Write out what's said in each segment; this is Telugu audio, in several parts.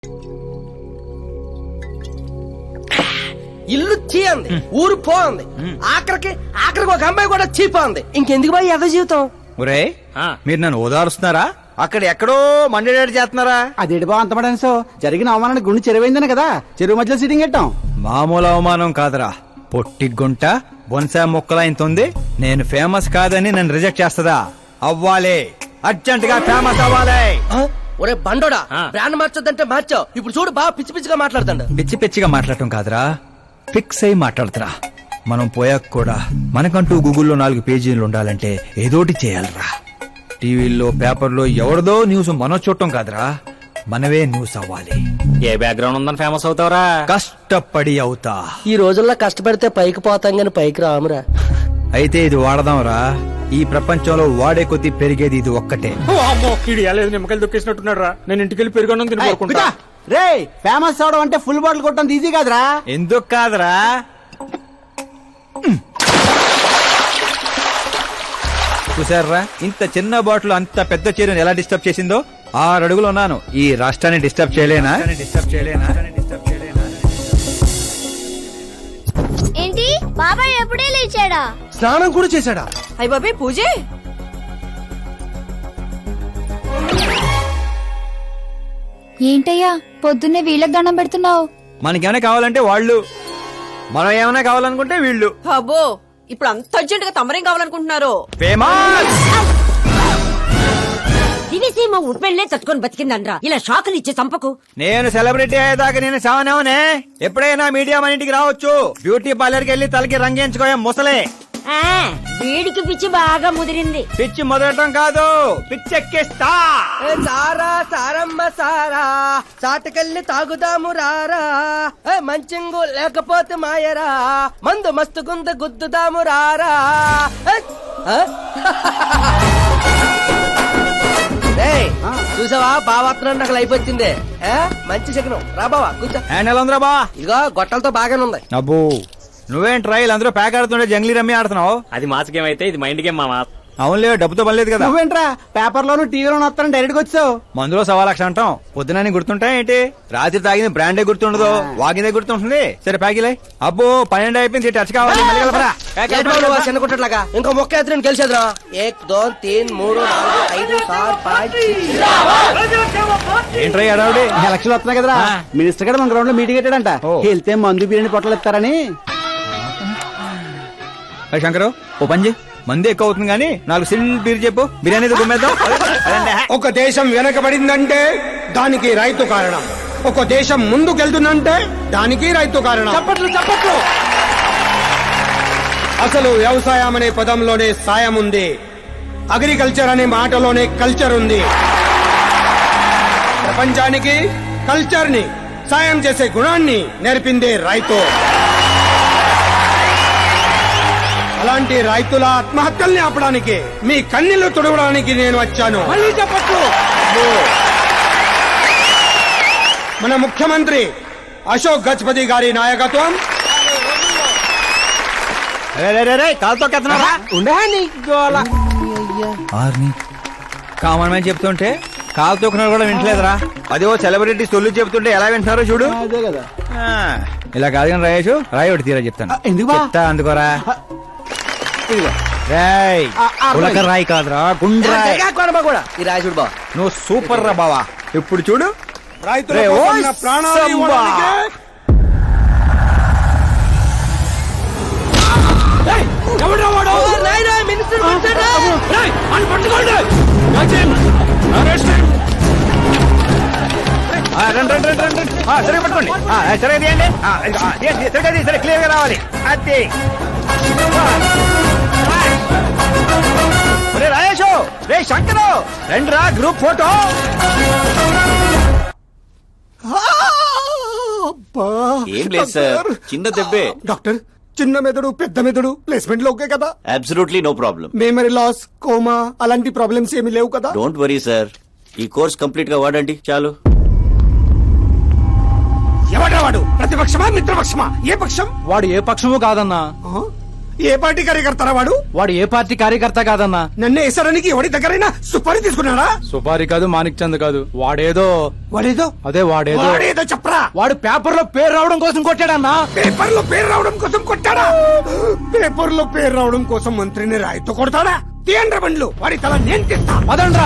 ఇల్లు చీ అంది, ఊరు పో అంది, ఆఖరికి ఒక అమ్మాయి కూడా చీపోంది. ఇంకెందుకు బాయ్ ఎద జీవితం? ఒరే మీరు నన్ను ఓదారుస్తున్నారా, అక్కడ ఎక్కడో మండేడాడు చేస్తున్నారా? అదేంటి బా అంత పడేసో జరిగిన అవమానానికి గుండె చెరువైందని కదా చెరువు మధ్యలో సిట్టింగ్ పెట్టాం. మామూలు అవమానం కాదురా, పొట్టి గుంట బొన్సా మొక్కలైంతుంది. నేను ఫేమస్ కాదని నన్ను రిజెక్ట్ చేస్తదా? అవ్వాలి, అర్జెంట్ గా ఫేమస్ అవ్వాలి. ఒరే బండోడా, బ్రాండ్ మార్చొద్దంటే మార్చావు. ఇప్పుడు చూడు బాగా పిచ్చి పిచ్చిగా మాట్లాడుతాడు. పిచ్చి పిచ్చిగా మాట్లాడటం కాదురా, ఫిక్స్ అయి మాట్లాడుతురా. మనం పోయాక కూడా మనకంటూ గూగుల్లో 4 పేజీలు ఉండాలంటే ఏదోటి చేయాలరా. టీవీల్లో పేపర్లో ఎవరిదో న్యూస్ మనం చూడటం కాదురా, మనవే న్యూస్ అవ్వాలి. ఏ బ్యాక్గ్రౌండ్ ఉందని ఫేమస్ అవుతావరా? కష్టపడి అవుతా. ఈ రోజుల్లో కష్టపడితే పైకి పోతాం గాని పైకి రామురా. అయితే ఇది వాడదాంరా. ఈ ప్రపంచంలో వాడే కొద్దీ పెరిగేది ఇది ఒక్కటే. నిమ్మకాయలు దొక్కేసినట్టున్నాడు రా. నేను ఇంటికి వెళ్ళి పెరుగొన్నం తిని కోరుకుంటా. రే ఫేమస్ అవడం అంటే ఫుల్ బాటిల్ కొట్టడం ఈజీ కాదురా. ఎందుకు కాదురా, చూసారా ఇంత చిన్న బాటిల్ అంత పెద్ద చీరను ఎలా డిస్టర్బ్ చేసిందో. 6 అడుగులు ఉన్నాను, ఈ రాష్ట్రాన్ని డిస్టర్బ్ చేయలేనా? ఏంటి బాబాయ్ ఎప్పుడే లేచాడా? స్నానం కూడా చేశాడా? అయ్య బాబాయ్ పూజే. ఏంటయ్యా పొద్దున్నే వీళ్ళకి దండం పెడుతున్నావు? మనకేమైనా కావాలంటే వాళ్ళు, మనం ఏమైనా కావాలనుకుంటే వీళ్ళు. అబ్బో ఇప్పుడు అంత అర్జెంట్ గా తమరేం కావాలనుకుంటున్నారు? ఫేమస్ దివిసీమ ఉప్పెళ్లే తట్టుకొని బతికిందనరా. ఇలా షాకులు ఇచ్చే చంపకు. నేను సెలబ్రిటీ అయ్యేదాకా నేను సావనేవనే. ఎప్పుడైనా మీడియా మన ఇంటికి రావచ్చు. బ్యూటీ పార్లర్ కి వెళ్ళి తలకి రంగేయించుకోయా ముసలే. వేడికి పిచ్చి బాగా ముదిరింది. పిచ్చి మొదలటం కాదు, పిచ్చెక్కిస్తా. సారా సారమ్మ సారా, చాటకెళ్ళి తాగుదాము రారా. మంచింగు లేకపోతే మాయరా, మందు మస్తు గుంద గుద్దుదాము రారా. చూసావా బావాత్రం నాకు లైఫ్ వచ్చింది. మంచి శకనం. రా బావా కూర్చో. హ్యాండ్ ఎలా ఉందిరా బా? ఇదిగో గొట్టలతో బాగానే ఉంది. అబ్బో నువ్వేం ట్రైల్ అందరూ ప్యాక్ ఆడుతుండే జంగ్లీ రమ్మి ఆడుతున్నావు. అది మాస్ గేమ్ అయితే ఇది మైండ్ గేమ్ మామా. అవునులే, డబ్బుతో పని లేదు కదా. నువ్వేంట్రా పేపర్ లోను టీవీలోను వస్తాను డైరెక్ట్ గా వచ్చావు. మందులో 1,00,000 అంటాం, పొద్దునని గుర్తుంటాయి ఏంటి? రాత్రి తాగింది బ్రాండే గుర్తుండదు, వాగిందే గుర్తుంటుంది. సరే ప్యాకిలే. అబ్బో 12 అయిపోయింది, టచ్ కావాలి. మళ్ళీ కలపరా. చిన్న కుట్టట్లాగా ఇంకో మొక్క ఎత్తుని గెలిచేద్రా. 1 2 3 4 5 6 5. ఏంట్రై అడావుడి? ఎలక్షన్ వస్తున్నాయి కదరా, మినిస్టర్ గారు మన గ్రౌండ్ లో మీటింగ్ పెట్టాడంట. వెళ్తే మందు బిర్యానీ పొట్టలు ఇస్తారని. శంకరు ఓ పంజి, మంది ఎక్కువ అవుతుంది కానీ 4 సిల్ బీర్ చెప్పు, బిర్యానీ గుమ్మేద్దాం. ఒక దేశం వెనకబడిందంటే దానికి రైతు కారణం. ఒక దేశం ముందుకెళ్తుందంటే దానికి రైతు కారణం. చప్పట్లు. అసలు వ్యవసాయం అనే పదంలోనే సాయం ఉంది. అగ్రికల్చర్ అనే మాటలోనే కల్చర్ ఉంది. ప్రపంచానికి కల్చర్ ని, సాయం చేసే గుణాన్ని నేర్పిందే రైతు. అలాంటి రైతుల ఆత్మహత్యల్ని ఆపడానికి, మీ కన్నీళ్లు తుడవడానికి నేను వచ్చాను. మళ్ళీ చెప్పట్లు. మన ముఖ్యమంత్రి అశోక్ గజపతి గారి నాయకత్వం. కాలుతో కెత్తనారా? కామన్ మ్యాన్ చెప్తుంటే కాలు తొక్కున్నారు కూడా వింటలేదురా. అదే ఓ సెలబ్రిటీ సొల్లు చెప్తుంటే ఎలా వింటున్నారో చూడు. అదే కదా. ఇలా కాదు కానీ రాయేషు, రాయి ఒకటి తీరా చెప్తాను. ఎందుకు బా? చెప్తా అందుకోరా. రాయ్ ఉలక రాయి కాదురా, గుండ్రాయ్. కూడా ఈ రాజుడు బావ నువ్వు సూపర్ రా బావా. ఇప్పుడు చూడు, రైతుల రే, కోసం ఓయ్ నా ప్రాణాలు సంబా. ఇవ్వడానికే సరే పట్టుకోండి. సరే తీయండి, సరే క్లియర్ గా రావాలి. అది రే రాయేషు, రే శంకరు, రండి రా గ్రూప్ ఫోటో. ఏం లేదు సార్, చిన్న దెబ్బే. డాక్టర్, చిన్న మెదడు పెద్ద మెదడు ప్లేస్మెంట్ లో ఓకే కదా? Absolutely no problem. Memory loss, coma అలాంటి ప్రాబ్లమ్స్ ఏమి లేవు కదా? డోంట్ వరీ సార్, ఈ కోర్స్ కంప్లీట్ గా వాడండి చాలు. ఎవడ్రా వాడు? ప్రతిపక్షమా మిత్రపక్షమా? ఏ పక్షం? వాడు ఏ పక్షము కాదన్నా. ఏ పార్టీ కార్యకర్తారా వాడు? వాడు ఏ పార్టీ కార్యకర్త కాదన్నా. నన్ను వేసడానికి ఎవరి దగ్గరైనా సుపారీ తీసుకున్నాడా? సుపారి కాదు, మాణిక్ చంద్ కాదు. వాడేదో వాడేదో వాడేదో చెప్పరా. వాడు పేపర్ లో పేరు రావడం కోసం కొట్టాడన్నా. పేపర్ లో పేరు రావడం కోసం కొట్టాడా? పేపర్ లో పేరు రావడం కోసం మంత్రిని రాయితో కొడతాడా? తీయండ్ర బండ్లు, వాడి తల నేను తీస్తా. పదండ్రా.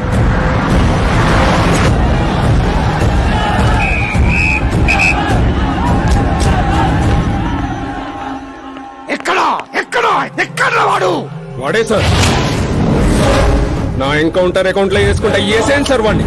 ఎక్కడా ఎక్కడా ఎక్కడా వాడు? వాడే సార్. నా ఎన్కౌంటర్ అకౌంట్ లో వేసుకుంటా వేసేయండి సార్ వాడిని.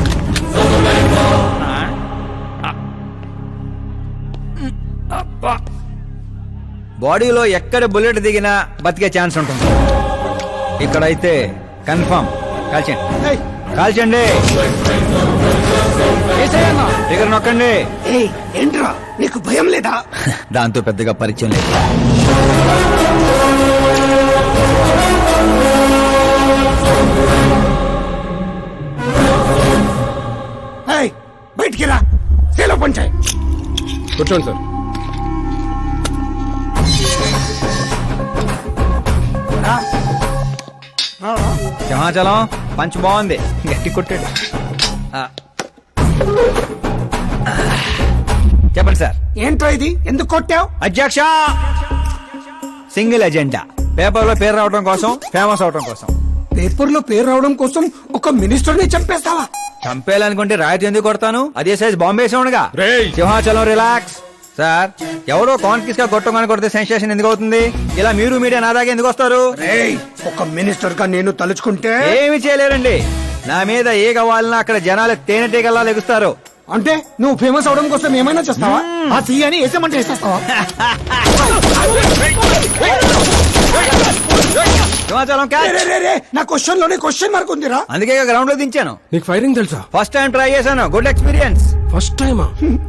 బాడీలో ఎక్కడ బుల్లెట్ దిగినా బతికే ఛాన్స్ ఉంటుంది. ఇక్కడైతే కన్ఫర్మ్. కాల్చండి, కాల్చండి. దగ్గర నొక్కండి. ఏయ్, ఏంట్రా నీకు భయం లేదా? దాంతో పెద్దగా పరిచయం లేదు. ఏయ్, బయటికి రా. సేలో పంచాయి. కూర్చోండి సార్. సింహాచలం పంచ్ బాగుంది, గట్టి కొట్టాడు. చెప్పండి సార్. ఏంట్రా ఇది? ఎందుకు కొట్టావు? అధ్యక్ష, సింగిల్ ఎజెండా. పేపర్ లో పేరు రావడం కోసం, ఫేమస్ అవడం కోసం. పేపర్ లో పేరు రావడం కోసం ఒక మినిస్టర్ ని చంపేస్తావా? చంపేయాలనుకుంటే రాయితీ ఎందుకు కొడతాను? అదే సైజ్ బాంబే సౌండ్గా. రేయ్. సింహాచలం రిలాక్స్. సార్, ఎవరో కాన్ఫిస్ గా కొట్టగానే కొడితే సెన్సేషన్ ఎందుకు అవుతుంది? ఇలా మీరు మీడియా నా దాకా ఎందుకు వస్తారు? ఏయ్, ఒక మినిస్టర్ గా నేను తలుచుకుంటే ఏమి చేయలేరండి. నా మీద ఏ కావాలన్నా అక్కడ జనాలు తేనెటీగల్లా లెగుస్తారు. అంటే నువ్వు ఫేమస్ అవడం కోసం ఏమైనా చేస్తావా? ఆ సీఎని వేసేమంటే వేసేస్తావా? సింహాచలం రే, క్యాచ్. రే, రే, నా క్వశ్చన్ లోనే క్వశ్చన్ మార్క్ ఉందిరా. అందుకే గ్రౌండ్ లో దించాను. నీకు ఫైరింగ్ తెలుసా? ఫస్ట్ టైం ట్రై చేశాను, గుడ్ ఎక్స్పీరియన్స్. ఫస్ట్ టైమా?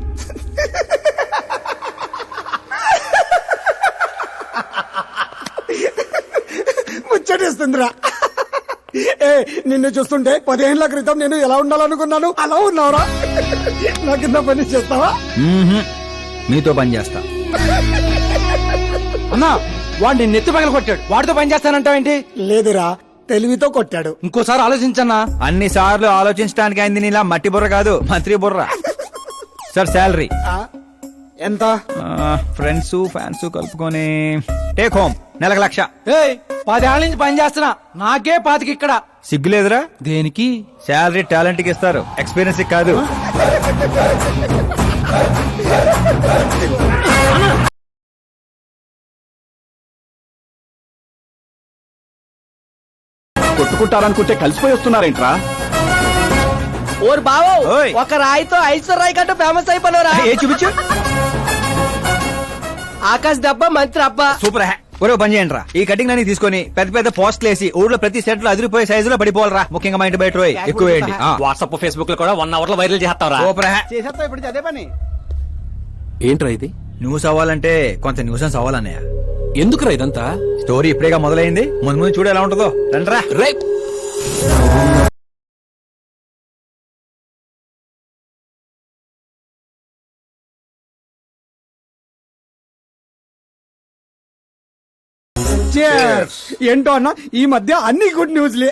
ముచ్చటేస్తుందిరా. ఏ, నిన్ను చూస్తుంటే 10 ఏళ్ల క్రితం నేను ఎలా ఉండాలనుకున్నాను అలా ఉన్నావురా. నా కింద పని చేస్తావా? మీతో పని చేస్తా. అన్నా, వాడిని నెత్తి పగల కొట్టాడు. వాడితో పని చేస్తానంటావేంటి? లేదురా, తెలివితో కొట్టాడు. ఇంకోసారి ఆలోచించన్నా. అన్ని సార్లు ఆలోచించడానికి అయింది నీలా మట్టి బుర్ర కాదు, మంత్రి బుర్ర. సార్, శాలరీ ఆ, ఎంత? ఫ్రెండ్స్ ఫ్యాన్స్ కలుపుకొని టేక్ హోమ్ నెలకు 1,00,000. ఏయ్, 10 ఏళ్ల నుంచి పని చేస్తున్నా, నాకే 25 ఇక్కడ. సిగ్గులేదురా? దేనికి? శాలరీ టాలెంట్ కి ఇస్తారు, ఎక్స్పీరియన్స్ కి కాదు. కొట్టుకుంటారనుకుంటే కలిసిపోయి వస్తున్నారేంట్రా? ఓర్ బావో, ఓయ్. ఒక రాయితో ఐశ్వర్ రాయ్ కంటే ఫేమస్ అయిపోయినరా. ఏ చూపించు. ఆకాశ్ దెబ్బ మంత్రి అబ్బా. సూపర్ హ్యా. ఒరే పని చేయండి రా, ఈ కటింగ్ అన్ని తీసుకొని పెద్ద పెద్ద పోస్టులు వేసి ఊర్లో ప్రతి సెట్ లో అదిరిపోయే సైజులో పడిపోవాలరా. ముఖ్యంగా మా ఇంటి బయట రోయ్ ఎక్కువ వేయండి. వాట్సాప్ ఫేస్బుక్ లో కూడా 1 అవర్ లో వైరల్ చేస్తావరా? సూపర్ హ్యా. చేసేస్తా ఇప్పుడు అదే పని. ఏంట్రా ఇది? న్యూస్ అవ్వాలంటే కొంత న్యూసెన్స్ అవ్వాలన్నయ్య. ఎందుకురా ఇదంతా? స్టోరీ ఇప్పుడేగా మొదలైంది, ముందు ముందు చూడు ఎలా ఉంటుందో. రండ్రా. రే, Cheers. ఏంటో అన్న, ఈ మధ్య అన్ని గుడ్ న్యూస్లే.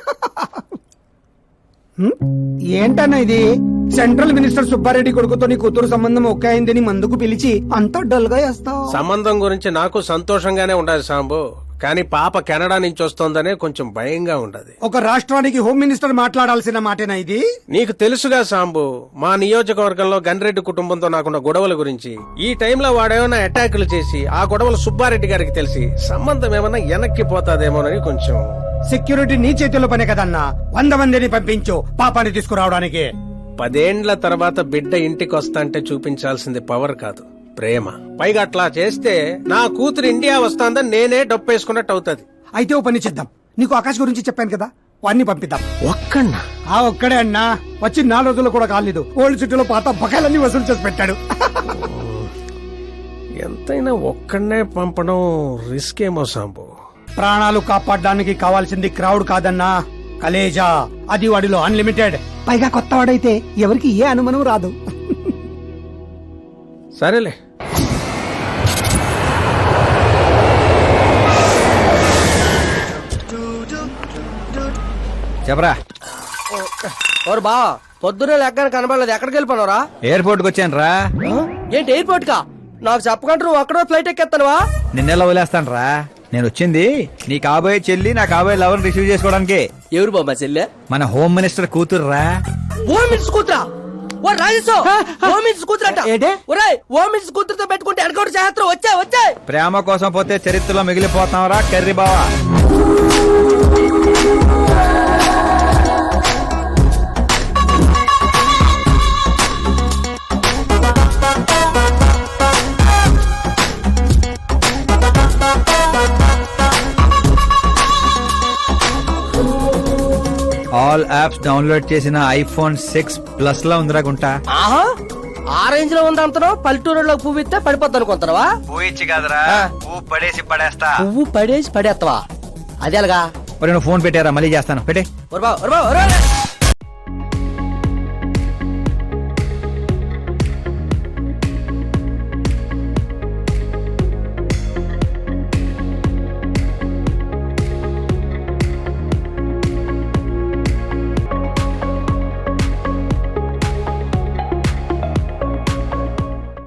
ఏంటన్నా ఇది? సెంట్రల్ మినిస్టర్ సుబ్బారెడ్డి కొడుకుతో నీ కూతురు సంబంధం ఒకే అయిందని మందుకు పిలిచి అంత డల్ గా వేస్తావు. సంబంధం గురించి నాకు సంతోషంగానే ఉండదు సాంబు, కానీ పాప కెనడా నుంచి వస్తోందనే కొంచెం భయంగా ఉండదు. ఒక రాష్ట్రానికి హోమ్ మినిస్టర్ మాట్లాడాల్సిన మాటేనా ఇది? నీకు తెలుసుగా సాంబు, మా నియోజకవర్గంలో గన్రెడ్డి కుటుంబంతో నాకున్న గొడవల గురించి. ఈ టైంలో వాడేమైనా అటాకులు చేసి ఆ గొడవలు సుబ్బారెడ్డి గారికి తెలిసి సంబంధం ఏమైనా వెనక్కి పోతాదేమోనని కొంచెం. సెక్యూరిటీ నీ చేతిలో పనే కదన్నా. 100 మందిని పంపించు పాపాన్ని తీసుకురావడానికి. 10 ఏండ్ల తర్వాత బిడ్డ ఇంటికి వస్తాంటే చూపించాల్సింది పవర్ కాదు, ప్రేమ. పైగా అట్లా చేస్తే నా కూతురు ఇండియా వస్తాందని నేనే డప్పేసుకున్నట్టు అవుతుంది. అయితే ఓ పని చేద్దాం, నీకు ఆకాశ్ గురించి చెప్పాను కదా, వాడిని పంపిద్దాం. ఒక్కన్నా? ఆ ఒక్కడే అన్నా, వచ్చి 4 రోజులు కూడా కాలేదు. ఓల్డ్ సిటీలో పాత బకాయిలన్నీ వసూలు చేసి పెట్టాడు. ఎంతైనా ఒక్కడనే పంపడం రిస్క్ ఏమో సాంబు. ప్రాణాలు కాపాడడానికి కావాల్సింది క్రౌడ్ కాదన్నా, కలేజా. అది వాడిలో అన్లిమిటెడ్. పైగా కొత్త వాడైతే ఎవరికి ఏ అనుమానం రాదు. సరేలే. చెప్పరా ఓరు బా పొద్దునే లెక్కన కనబడలేదు ఎక్కడికి వెళ్ళిపోనరా ఎయిర్పోర్ట్ కి వచ్చాను రా. ఏంటి ఎయిర్పోర్ట్ కా నాకు చెప్పకుండా నువ్వు అక్కడో ఫ్లైట్ ఎక్కేస్తానువా నిన్నెలా వదిలేస్తాను రా. నేను వచ్చింది నీ కాబోయే చెల్లి నా కాబోయే లవర్ రిసీవ్ చేసుకోవడానికి. ఎవరు బాబా చెల్లె మన హోమ్ మినిస్టర్ కూతురు రా. ఓ మినిట్స్ కూతురా ఓ రాజేశో ఓ మినిట్స్ కూతురట ఏంటి? ఒరేయ్ ఓ మినిట్స్ కూతురుతో పెట్టుకుంటే ఎనకౌంట్ చేస్తారు వచ్చే ప్రేమ కోసం పోతే చరిత్రలో మిగిలిపోతాం రా కర్రీ బావా. ఆల్ యాప్స్ డౌన్లోడ్ చేసిన ఐఫోన్ 6 ప్లస్ లో ఉందిరా గుంటా. ఆహా ఆ రేంజ్ లో ఉంది అంతనో పల్లెటూరులో పువ్వు ఇస్తే పడిపోద్ది అనుకుంటారా పోయిచ్చి కాదురా పువ్వు పడేసి పడేస్తా. పువ్వు పడేసి పడేస్తావా అది ఎలాగా నువ్వు ఫోన్ పెట్టారా మళ్ళీ చేస్తాను పెట్టే. ఒరే బా, ఒరే బా, ఒరే.